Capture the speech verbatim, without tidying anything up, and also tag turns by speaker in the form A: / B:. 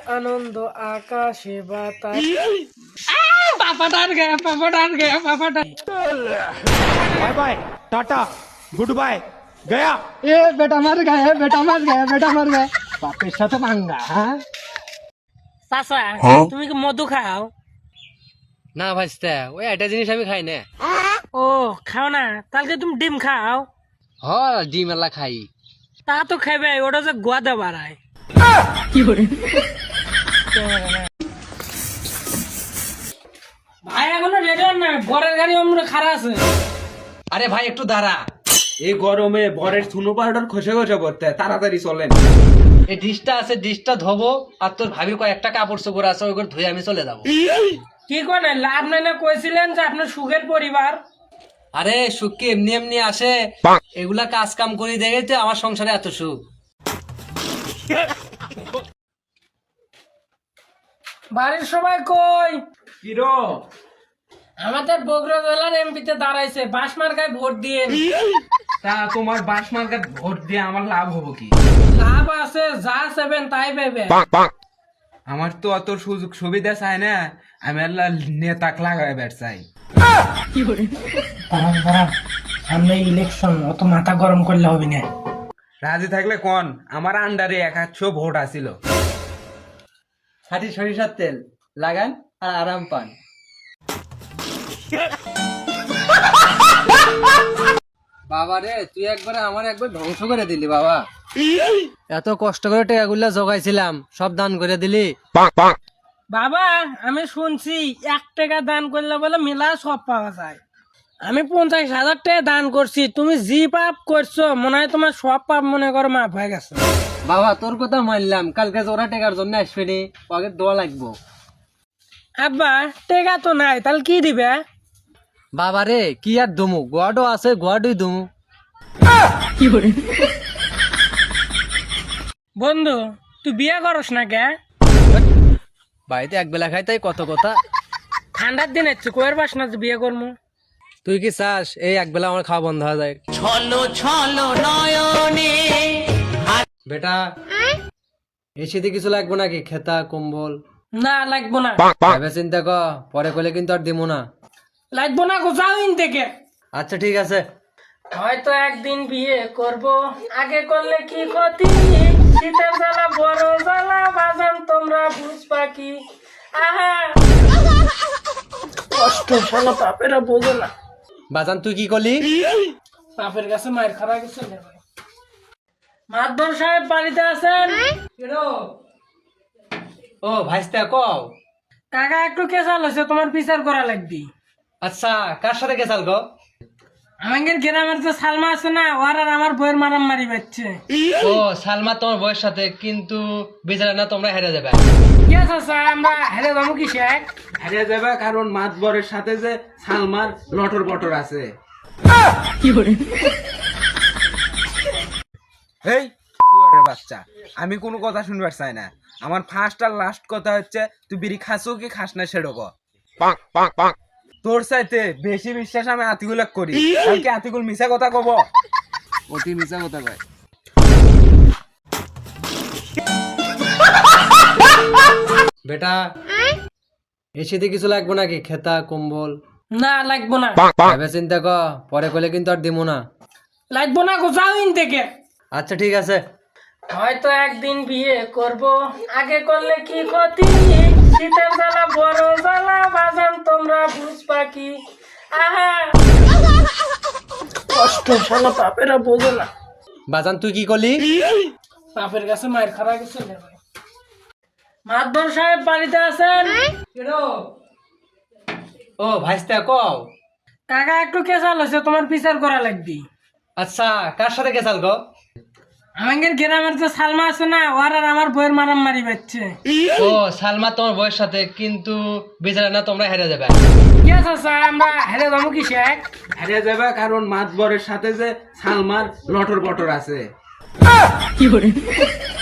A: আনন্দ আকাশে বাতাস।
B: पापा डाल गया पापा डाल गया पापा डाल
C: bye bye tata goodbye गया।
B: ए बेटा मर गया बेटा मर गया बेटा मर गया বাপের সাথে ভাঙ্গা হ্যাঁ
A: চাচা তুমি কি মধু খাও?
D: না ভাইস্তা ওই একটা জিনিস আমি খাই না।
A: ও খাও না, তাহলে তুমি ডিম খাও।
D: হ ডিম এলা খাই।
A: তা তো খাবে, ওটা যে গোয়াদা বাড়ায়। ভাই এখনো রেডি না, বরের গাড়ি আমরা খারাপ আছে।
D: আরে ভাই একটু দাঁড়া,
C: এই গরমে বরের সুনো পাউডার খসে খসে পড়তে তাড়াতাড়ি চলেন।
D: এই ডিশটা আছে ডিশটা ধোবো, আর তোর ভাবি কয়েকটা কাপড় চোপড় আছে ওইগুলো ধুয়ে আমি চলে যাবো।
A: কি করে লাভ নাই না, কইছিলেন যে আপনার সুখের পরিবার।
D: আরে সুখ কি এমনি এমনি আসে? এগুলা কাজ কাম করি দেখে তো আমার সংসারে এত সুখ।
A: বাড়ির সবাই কই?
C: কিরো
A: আমাদের বগুড়া জেলার এমপিতে দাঁড়াইছে, বাঁশমার্কায় ভোট দিয়ে।
C: তা তোমার বাস মার্কার ভোট দিয়ে আমার লাভ হবো কি?
A: লাভ আছে, যা চাইবেন তাই পাইবে।
C: আমার তো অত সুযোগ সুবিধা চাই না, আমি আল্লাহ নেতাক লাগাই বের চাই।
A: সামনে ইলেকশন, অত মাথা গরম করলে হবে না।
C: রাজি থাকলে কোন, আমার আন্ডারে এক আধশো ভোট আসিল।
D: ষাটি সরিষার তেল লাগান আর আরাম পান। বাবা রে তুই একবারে আমার একবার ধ্বংস করে দিলি বাবা। এত কষ্ট করে টাকাগুলা জোগাইছিলাম সব দান করে দিলি।
A: বাবা আমি শুনছি এক টাকা দান করলে বলে মেলা সব পাওয়া যায়। আমি পঞ্চাশ হাজার টাকা দান করছি, তুমি জি পাপ করছো মনে হয় তোমার সব পাপ মনে করো মাফ হয়ে গেছে।
D: বাবা তোর কথা মানলাম, কালকে জোড়া টাকার জন্য আসবে নি, আগে দোয়া লাগবো।
A: আব্বা টাকা তো নাই, তাহলে কি দিবে?
D: বাবা রে কি আর দুমু, গোয়াডো আছে গোয়াডোই দুমু।
A: বন্ধু তুই বিয়ে করস না কে?
D: বাড়িতে এক বেলা খাই তাই কত কথা।
A: ঠান্ডার দিন হচ্ছে, কোয়ের বাস না যে বিয়ে করবো।
D: তুই কি চাস এই এক বেলা আমার খাওয়া বন্ধ হয়ে যায়? বেটা এই শীতে কিছু লাগবো নাকি, খেতা কম্বল?
A: না লাগবো না।
D: ভেবে চিন্তা কর, পরে করলে কিন্তু আর দিমু না।
A: লাগবো না গো, যাও ইন থেকে।
D: আচ্ছা ঠিক আছে।
A: হয়তো একদিন বিয়ে করব, আগে করলে কি ক্ষতি। শীতের জ্বালা বড় জ্বালা, বাজান তোমরা বুঝবা কি। আহা কষ্ট শোনো, বাপেরা বোঝে না।
D: বাজান তুই কি করলি?
A: বাপের কাছে মায়ের খারাপ গেছে। মাতবর সাহেব বাড়িতে আছেন?
D: ও ভাইস্তা কও।
A: কাকা একটু কেসাল হয়েছে, তোমার বিচার করা লাগবে।
D: আচ্ছা কার সাথে গেছাল গো?
A: আমাদের গ্রামের যে সালমা আছে না, ওর আর আমার বইয়ের মারাম মারি পাচ্ছে।
D: ও সালমা তোমার বউয়ের সাথে, কিন্তু বিচারে না তোমরা হেরে যাবে।
A: কি আছে স্যার, আমরা হেরে যাবো কি শেখ?
C: হারিয়ে যাবে কারণ মাতবরের সাথে যে সালমার লটর বটর আছে। এই শুয়ারের বাচ্চা, আমি কোনো কথা শুনবার চাই না। আমার ফার্স্ট আর লাস্ট কথা হচ্ছে, তুই বিড়ি খাসো কি খাস না সেটা ক। তোর চাইতে বেশি বিশ্বাস আমি আতিকুল করি। কালকে আতিকুল মিছা কথা কব, অতি মিছা কথা কয়।
D: বেটা এই শীতে কিছু লাগবো নাকি, খেতা কম্বল?
A: না লাগবো না।
D: ভেবে চিন্তা কর, পরে করলে কিন্তু আর দিমু না।
A: লাগবো না গো, যাও ইন থেকে।
D: আচ্ছা ঠিক আছে।
A: হয়তো একদিন বিয়ে করব, আগে করলে কি ক্ষতি। শীতের জ্বালা বড় জ্বালা, বাজান তোমরা বুঝবা কি। আহা কষ্ট শোনো, বাপেরা বোঝে না।
D: বাজান তুই কি করলি?
A: বাপের কাছে মায়ের খারাপ গেছে। মাতবর সাহেব বাড়িতে আছেন?
D: ও ভাইস্তা কও।
A: কাকা একটু কেসাল হয়েছে, তোমার বিচার করা লাগবে।
D: আচ্ছা কার সাথে গেছাল গো?
A: আমাদের গ্রামের যে সালমা আছে না, ওর আর আমার বইয়ের মারাম মারি পাচ্ছে।
D: ও সালমা তোমার বউয়ের সাথে, কিন্তু বিচারে না তোমরা হেরে যাবে।
A: কি আছে স্যার, আমরা হেরে যাবো কি শেখ?
C: হারিয়ে যাবে কারণ মাতবরের সাথে যে সালমার লটর বটর আছে।